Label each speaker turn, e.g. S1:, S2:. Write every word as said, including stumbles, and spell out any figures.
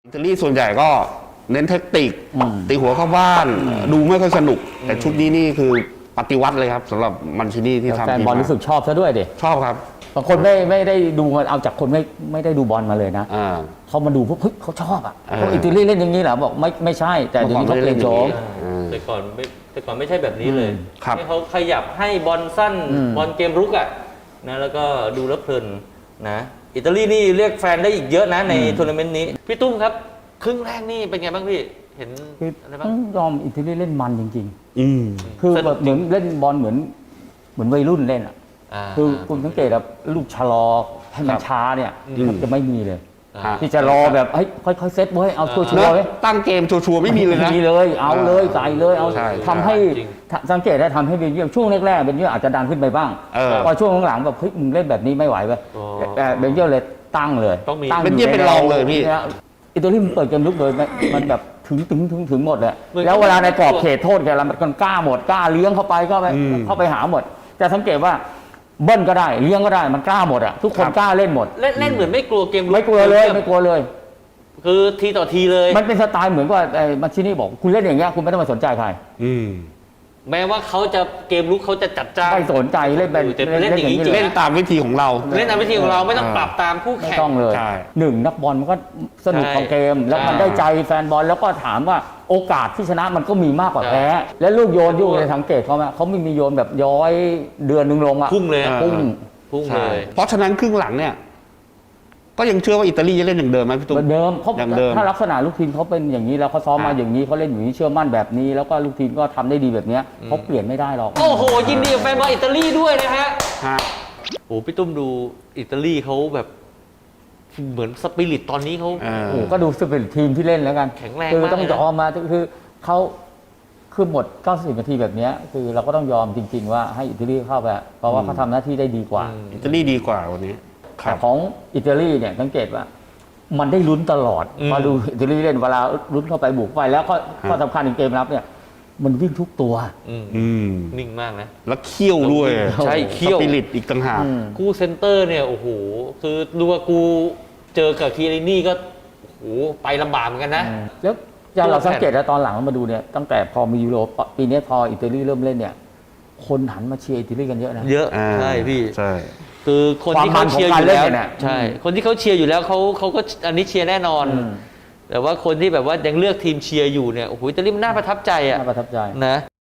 S1: อิตาลีส่วนใหญ่ก็เน้นเทคนิคตีหัวเข้าบ้านดูไม่ค่อยสนุกแต่ชุดนี้นี่คือปฏิวัติเลยครับสำหรับมันชินี่ที่ทำ
S2: แฟนบอลรู้สึกชอบซะด้วยดิ
S1: ชอบครับ
S2: บางคนไม่ไม่ได้ดูมาเอาจากคนไม่ไม่ได้ดูบอลมาเลยนะ
S1: อ่า
S2: เขามาดูพวกเฮ้ยเขาชอบอ่ะ
S1: เออ
S2: พวกอิตาลีเล่นอย่างนี้เหรอบอกไม่ไม่ใช่แต่เดี๋ยวนี้เขาเปลี่ยนโฉม
S3: แต่ก่อนไม่แต่ก่อนไม่ใช่แบบนี้เลย
S1: ครับ
S3: ที่เขาขยับให้บอลสั้น
S2: อืม
S3: บอลเกมรุกอ่ะนะแล้วก็ดูแล้วเพลินนะอิตาลีนี่เรียกแฟนได้อีกเยอะนะในทัวร์นาเมนต์นี้พี่ตุ้มครับครึ่งแรกนี่เป็นไงบ้างพี่เห็น
S2: คือ
S3: อะไรบ้าง
S2: ต้องยอมอิตาลีเล่นมันจริง
S1: อืม
S2: ๆ คือแบบเหมือนเล่นบอลเหมือนเหมือนวัยรุ่นเล่นอ่ะ
S3: อ่า
S2: คือคุณสังเกตแบบลูกชะลอให้มันช้าเนี่ยมันจะไม่มีเลย
S3: อ่า
S2: ที่จะรอแบบเฮ้ยค่อยๆเซตเว้ยเอาชัว
S1: เน
S2: ร์
S1: อะ
S2: ๆเว้ย
S1: ตั้งเกมชัวร์ๆไม่มีเลยนะ
S2: มีเลยเอาเลยใส่เลยเอา
S1: ใช่
S2: ทำให้
S3: จริง
S2: สังเกตได้ทำให้เบลเยียมช่วงแรกๆเบลเยียมอาจจะดันขึ้นไปบ้าง
S1: เออ
S2: พอช่วงหลังๆแบบเฮ้ยมึงเล่นแบบนี้ไม่ไหวเว้ย
S3: อ๋อ
S2: แต่เบลเยียมเลยตั้งเลย
S3: ต้องมี
S2: ตั้
S1: เบลเยียมเป็นรองเลยพี่
S2: นี่อิตาลีมันเปิดเกมลุกเลยมันมันแบบถึงถึงถึงถึงหมดเลย
S3: เหมือน
S2: แล้วเวลาในกรอบเขตโทษแกละมันกล้าหมดกล้าเลี้ยงเข้าไปก็ไป
S1: อืม
S2: เข้าไปหาหมดจะสังเกตว่าเบิ้ลก็ได้เลี้ยงก็ได้มันกล้าหมดอ่ะทุกคน
S1: ครับ
S2: กล้าเล่นหมด
S3: เล่นเล่นเหมือนไม่กลัวเกมรุ
S2: ไม่กลัวเลยไม่กลัวเลย
S3: คือทีต่อทีเลย
S2: มันเป็นสไตล์เหมือนว่าไอ้มาชินี่บอกคุณเล่นอย่างเงี้ยคุณไม่ต้องมาสนใจใคร
S1: อืม
S3: แม้ว่าเขาจะเกมรุกเขาจะจัดจ้าน
S2: ไม่สนใจเล่นเป็น
S3: แต่เล่นอย่างนี้จริง
S1: เล่นตามวิธีของเรา
S3: เล่นตามวิธีของเราไม่ต้องปรับตามคู่
S2: ไม่
S3: แข่ง
S2: ต้องเลย
S1: ใช่
S2: หนึ่งนักบอลมันก็สนุก
S3: ใช่
S2: ของเกม แล้วมัน
S3: ใช่
S2: ได้ใจแฟนบอลแล้วก็ถามว่าโอกาสที่ชนะมันก็มีมากกว่า
S3: ใช่
S2: แพ้และลูกโยนยุ่งในสังเกตเขาไหมเขาไม่มีโยนแบบย้อยเดือนหนึ่งลงอ่ะ
S3: พุ่งเลย
S1: อ่า
S2: พุ่ง
S3: พุ่งเล
S1: ใช่
S3: ย
S1: เพราะฉะนั้นครึ่งหลังเนี่ย ก็ยังเชื่อว่าอิตาลีจะเล่นอย่างเดิมไหมพี่
S2: เห
S1: ตุ้
S2: มื
S1: ม
S2: อนเดิมเขา
S1: อย่างเดิม
S2: ถ้าลักษณะลูกทีมเขาเป็นอย่างนี้แล้วเขาซ้อมมา
S1: อ่า
S2: อย่างนี้เขาเล่นอย่างนี้เชื่อมั่นแบบนี้ แล้วก็ลูกทีมก็ทำได้ดีแบบเนี้ยเขาเปลี่ยนไม่ได้หรอก
S3: โอ้โหยินดีกับแฟนบอลอิตาลีด้วยนะฮะ
S1: ฮะ
S3: โอ้พี่ตุ้มดูอิตาลีเขาแบบเหมือนสปิริตตอนนี้เขา
S1: เออ
S2: โอ้โหก็ดูสปิริตทีมที่เล่นแล้วกัน
S3: แข็งแรง
S2: คือ
S3: มาก
S2: ต้อง
S3: เลย
S2: ย
S3: นะ
S2: อมมาคือเขาคือหมดเก้าสิบนาทีแบบเนี้ยคือเราก็ต้องยอมจริง ๆ ว่าให้อิตาลีเข้าไปเพราะว่าเขาทำหน้าที่ได้ดีกว่า
S1: อิตาลีดีกว่าวันนี้ครั
S2: แต่
S1: บ
S2: ของอิตาลีเนี่ยสังเกตว่า มันได้ลุ้นตลอด
S3: อืม
S2: มาดูอิตาลีเล่นเวลาลุ้นเข้าไปบุกไปแล้วก็
S1: ฮะ
S2: ข้อสำคัญในเกมรับเนี่ย มันวิ่งทุกตัว
S3: อืม
S1: อืม
S3: นิ่งมากนะ
S1: แล้วเขี้ยวด้วย
S3: ใช่เขี้ยว
S1: สปิริตอีกต่างหาก
S2: อืม
S3: คู่เซนเตอร์เนี่ยโอ้โหคือดูว่ากูเจอกับคีรินี่ก็โอ้โหไปลำบากเหมือนกันนะ
S2: แล้วอย่างเราสังเกตแล้วตอนหลังมาดูเนี่ยตั้งแต่พอมียูโรปีนี้พออิตาลีเริ่มเล่นเนี่ย คนหันมาเชียร์อิตาลีกันเยอะนะ
S3: เยอะ
S1: อ่า
S3: ใช่พี่
S1: ใช่
S3: คือคนที่เขาเชียร์อยู่
S2: ความมันของการเล่น
S3: แล้ว
S2: เนี่ย
S3: ใช่
S2: อืม
S3: คนที่เขาเชียร์อยู่แล้วเขาเขาก็อันนี้เชียร์แน่นอน
S2: อืม
S3: แต่ว่าคนที่แบบว่ายังเลือกทีมเชียร์อยู่เนี่ยโอ้โหอิตาลีมันน่าประทับใจอ่ะ
S2: น่าประทับใจ
S3: นะ